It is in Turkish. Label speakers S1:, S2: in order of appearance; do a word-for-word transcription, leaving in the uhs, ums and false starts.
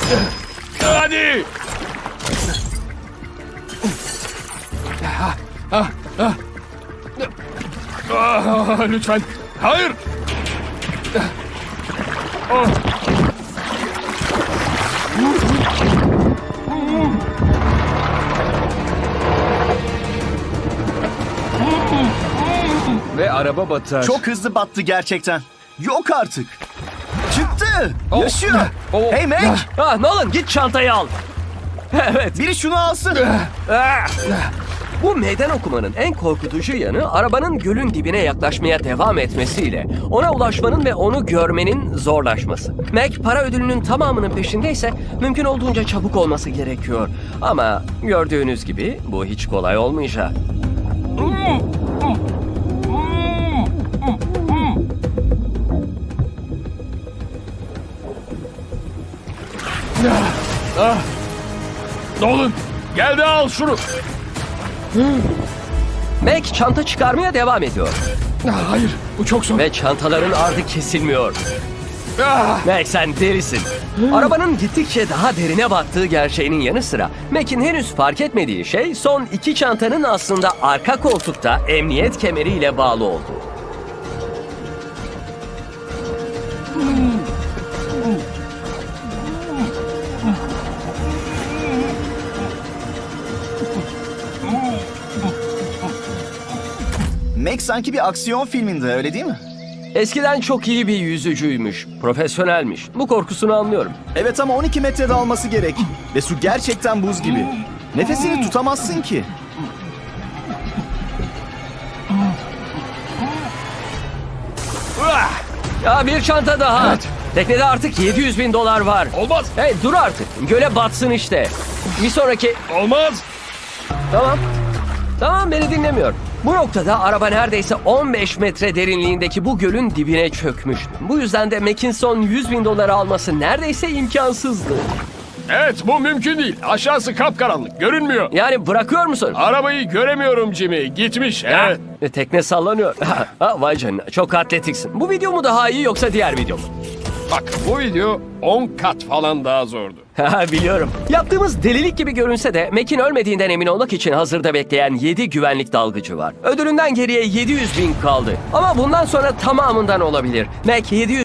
S1: Hadi. Ah, ah, ah. Ah, lütfen. Hayır. Oh. Ve araba batar.
S2: Çok hızlı battı gerçekten. Yok artık. Çıktı.
S1: Oh.
S2: Yaşıyor.
S1: Oh.
S2: Hey Mac.
S3: Ah, Nolan git çantayı al. Evet.
S2: Biri şunu alsın.
S3: Ah! Bu meydan okumanın en korkutucu yanı arabanın gölün dibine yaklaşmaya devam etmesiyle ona ulaşmanın ve onu görmenin zorlaşması. Mac para ödülünün tamamının peşindeyse mümkün olduğunca çabuk olması gerekiyor. Ama gördüğünüz gibi bu hiç kolay olmayacak.
S1: Ah. Nolan, gel de al şunu.
S3: Mac çanta çıkarmaya devam ediyor
S1: Ah, hayır, bu çok zor.
S3: ve çantaların ardı kesilmiyor.
S1: Ah.
S3: Mac sen delisin. Arabanın gittikçe daha derine battığı gerçeğinin yanı sıra Mac'in henüz fark etmediği şey son iki çantanın aslında arka koltukta emniyet kemeriyle bağlı olduğu.
S2: Mac sanki bir aksiyon filminde, öyle değil mi?
S3: Eskiden çok iyi bir yüzücüymüş, profesyonelmiş. Bu korkusunu anlıyorum.
S2: Evet ama on iki metrede alması gerek. Ve su gerçekten buz gibi. Nefesini tutamazsın ki.
S3: Ah! Ya bir çanta daha.
S1: Evet.
S3: Teknede artık yedi yüz bin dolar var.
S1: Olmaz,
S3: Hey dur artık. Göle batsın işte. Bir sonraki...
S1: olmaz.
S3: Tamam. Tamam beni dinlemiyor. Bu noktada araba neredeyse on beş metre derinliğindeki bu gölün dibine çökmüş. Bu yüzden de Mac'in son yüz bin doları alması neredeyse imkansızdı.
S1: Evet, bu mümkün değil. Aşağısı kapkaranlık, görünmüyor.
S3: Yani bırakıyor musun?
S1: Arabayı göremiyorum Jimmy. Gitmiş, evet.
S3: E, tekne sallanıyor. Ha, vay canına çok atletiksin. Bu video mu daha iyi yoksa diğer video mu?
S1: Bak, bu video on kat falan daha zordu.
S3: Ha, biliyorum. Yaptığımız delilik gibi görünse de Mac'in ölmediğinden emin olmak için hazırda bekleyen yedi güvenlik dalgıcı var. Ödülünden geriye yedi yüz bin kaldı. Ama bundan sonra tamamından olabilir. Mac yedi yüz